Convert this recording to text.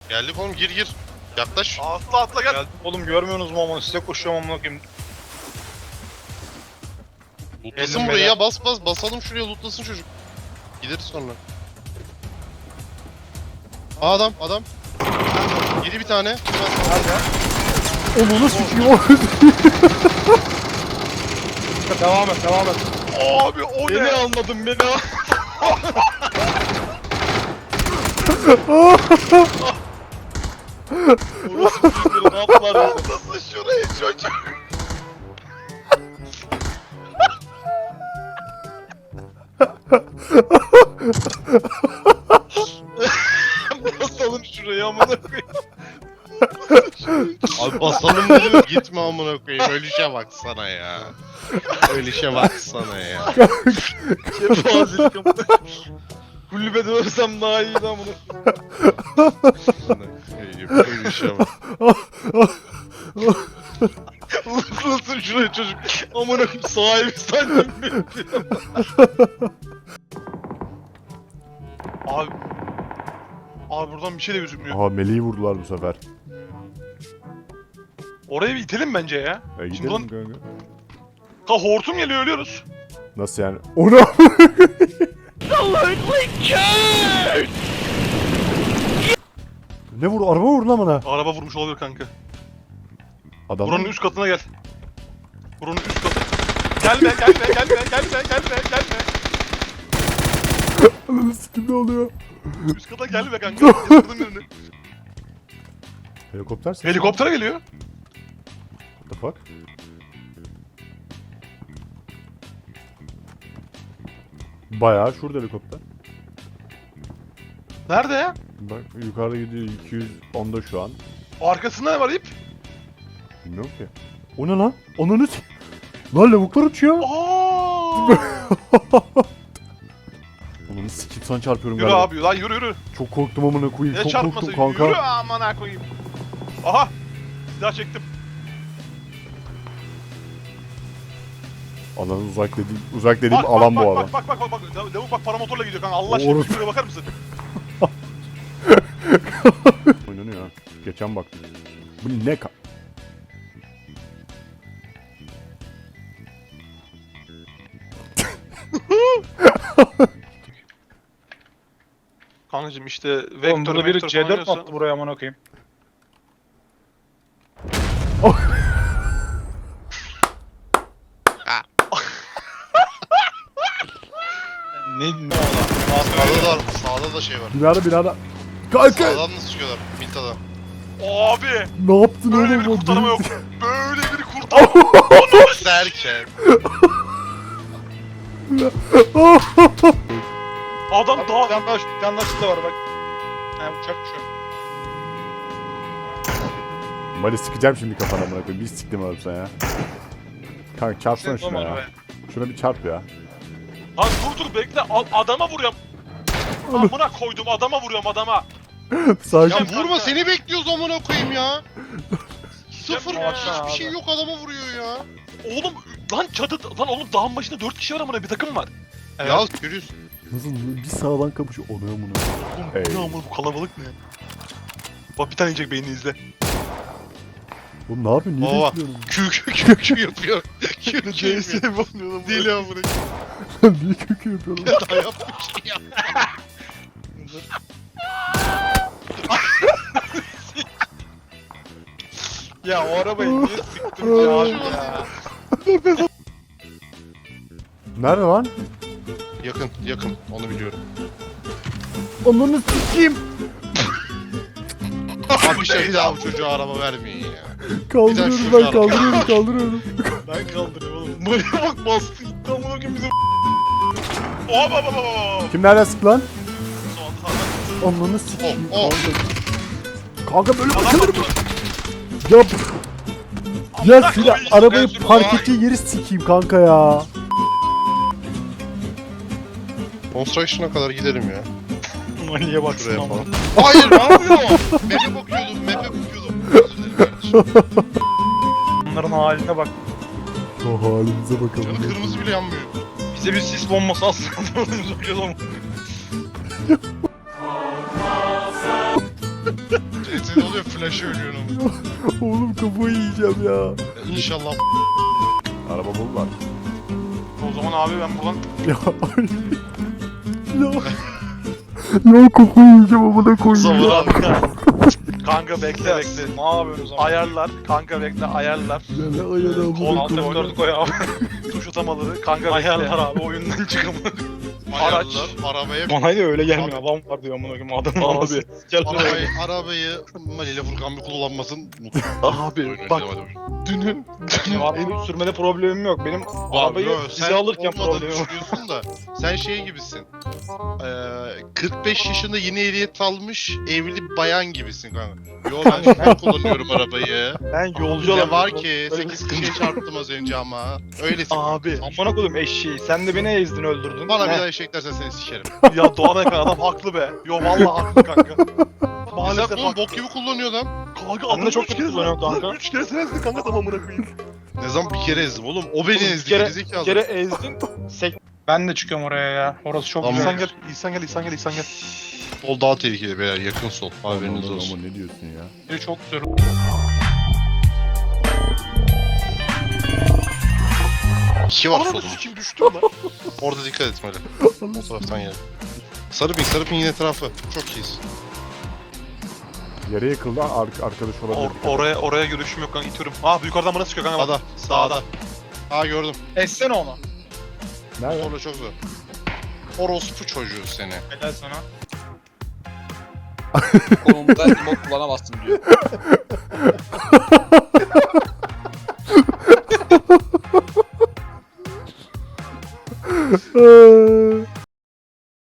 Geldik oğlum, gir. Yaklaş. Atla gel. Geldim oğlum, görmüyorsunuz mu ama size koşuyorum amına koyayım. Lootlasın Geldim burayı beyler. ya, basalım şuraya, lootlasın çocuk. Gideriz sonra. Adam. Yedi bir tane. Nerede? Onu sikiyor. Devam et. Abi o Beni ne? almadın beni. Orası bir ne yaptılar ya? Nasıl şurayı çocuk? Basalım şurayı amına koyayım. Abi basalım dedim, gitme amına koyayım. Ölüşe baksana ya. Ölüşe baksana ya. Kefazilik amına. Kulübede ölsem daha iyiydi amına. Ölüşe bak. Nasıl şurayı çocuk? Amına koyayım, sahibi sandım beni. Abi buradan bir şey de gözükmüyor. Aha Melih'i vurdular bu sefer. Oraya bir itelim bence ya. Gidelim Buradan- kanka. Ha hortum geliyor, ölüyoruz. Nasıl yani? Onu Ne vur? Araba vur lan bana. Araba vurmuş olabilir kanka. Adam. Buranın üst katına gel. Buranın üst katı. Gelme. Ananı sikim, ne oluyor? Üst kata gelme kanka. Yatırdım birini. Helikopter sesi. Helikopter geliyor. What the fuck? Bayağı şurada helikopter. Nerede ya? Bak yukarıda gidiyor, 210'da şu an. Arkasında ne var ip? Bilmiyorum ki. O ne lan? Ananı s- Lan lavuklar uçuyor. Aa! Ananı sikim, sana çarpıyorum Yürü galiba. abi lan, yürü. Çok korktum amına koyayım. Ne Çok çarpması? korktum kanka. Yürü amına koyayım. Aha! Silah çektim. Alan uzak dediğim alan bu arada. Bak. Lavuk bak, paramotorla gidiyor kanka. Allah aşkına Orası- şuraya bakar mısın? Oynanıyor ha. Geçen baktım. Bu ne ka... Kankacım işte Oğlum vektör burada biri falan C4 mi oynuyorsa- attı buraya amına koyayım? Ne Sağda da şey var. Binada. Kanka! Sağdan nasıl çıkıyorlar? Milta'dan. Abi! Ne yaptın Böyle oğlum? bir o kurtarma deli- yok. Böyle bir kurtarma. Derken. Adam Bir daha... tane daha şurada var bak. Ha, uçak düşüyor. Mali sıkacağım şimdi kafana amına koyayım. Bir siktim oğlum sen ya. Kanka çarpsana Sen şuna olmadı ya. be. Şuna bir çarp ya. Lan dur bekle. Adama vuruyorum. Amına koydum, adama vuruyorum, adama. Sakin. Ya vurma, seni bekliyoruz amına koyayım ya. Sıfır, Yapma baksana hiçbir şey abi. yok, adama vuruyor ya. Oğlum lan lan oğlum dağın başında 4 kişi var amına, bir takım var. Evet. Ya görüyorsun. Nasıl bir sağdan kapışıyor. Onu amına. Oğlum Ey. bu ne amına, bu kalabalık ne? Bak bir tane yiyecek, beynini izle. Oğlum ne yapıyorsun? Niye Baba. bekliyorsun? Kü yapıyor. Kü yapıyor. bakmıyor lan. Deli amına. Niye kökü yapıyorsun? Daha yapmış ya. Ya o arabayı niye sıktın ya abi ya? Nerede lan? Yakın. Onu biliyorum. Ananı sikeyim. Abi bir daha bu çocuğa araba vermeyin ya. Kaldırıyorum Bir ben, dakika. kaldırıyorum. Ben kaldırıyorum oğlum. Buraya bak, bastı gitti amına koyayım bizim. Hop. Kim nereden sıktı lan? Son Ananı sikeyim. Oh. Kanka böyle Adam bakılır mı? bakıyor. Ya ya Amına silah koyayım, arabayı ben park şunu- ettiği yeri sikeyim kanka ya. Construction'a kadar gidelim ya. Maniye baksana Şuraya ama. falan. Hayır, ne yapıyor? Map'e bakıyordum. Özür dilerim kardeşim. Onların haline bak. O halimize bakalım. Canı kırmızı bile yanmıyor. Bize bir sis bombası aslında. Zorlayalım. Senin oluyor flash'ı ölüyorsun ama. Oğlum kafayı yiyeceğim ya. İnşallah Araba buldular. O zaman abi ben buradan Ya ya. Ya kafayı yiyeceğim amına koyayım. Zavur abi. kanka bekle bekle. Ne yapıyorsun o zaman? Ayarlar kanka bekle ayarlar. Ya ne ayarı amına Alt koyayım. F4'ü koy abi. Tuş atamaları kanka bekle. Ayarlar abi oyundan çıkamadı. Araç. Arabaya Bana da öyle gelmiyor. Adam var diyor amına koyayım. Adam Abi. Gel arabayı Mali ile Furkan bir kullanmasın. Abi bak dünün benim sürmede problemim yok. Benim arabayı size alırken problemim var. düşünüyorsun da sen şey gibisin. 45 yaşında yeni ehliyet almış evli bayan gibisin kanka. Yo ben kullanıyorum arabayı. Ben yolcu Ne alamıyorum. var ki Öyle 8 kişiye çarptım az önce ama. Öylesin. Abi. Amına koydum eşeği. Sen de beni ezdin öldürdün. Bana bir Ne? daha eşek dersen seni sikerim. Ya Doğan Ekan adam haklı be. Yo vallahi haklı kanka. Maalesef Maalesef oğlum haklı. bok gibi kullanıyor lan. Kanka Ben de çok kötü kullanıyorum kanka. 3 kere sensin kanka tamamına koyayım. Ne zaman bir kere ezdim oğlum. O beni Oğlum, ezdi. bir gerizekalı. kere ezdin. Ben de çıkıyorum oraya ya. Orası çok Tamam. güzel. İhsan gel, İhsan gel, İhsan gel, İhsan gel. Sol daha tehlikeli beyler. Yakın sol. Haberiniz Aman olsun. aman ne diyorsun ya? Biri çok güzel. İki var Ananı solumda. sikim düştüm lan. Orada dikkat et Mali. O taraftan gel. Sarı pin yine etrafı. Çok iyiyiz. Yere yıkıldı arkadaş olabilir. Oraya görüşüm yok kanka itiyorum. Aa bu yukarıdan bana sıkıyor kanka bak. Sağda. Aa gördüm. Essene onu. Nerede? Orada çok zor. Orospu çocuğu seni. Helal sana. Konumda emote kullanamazsın diyor.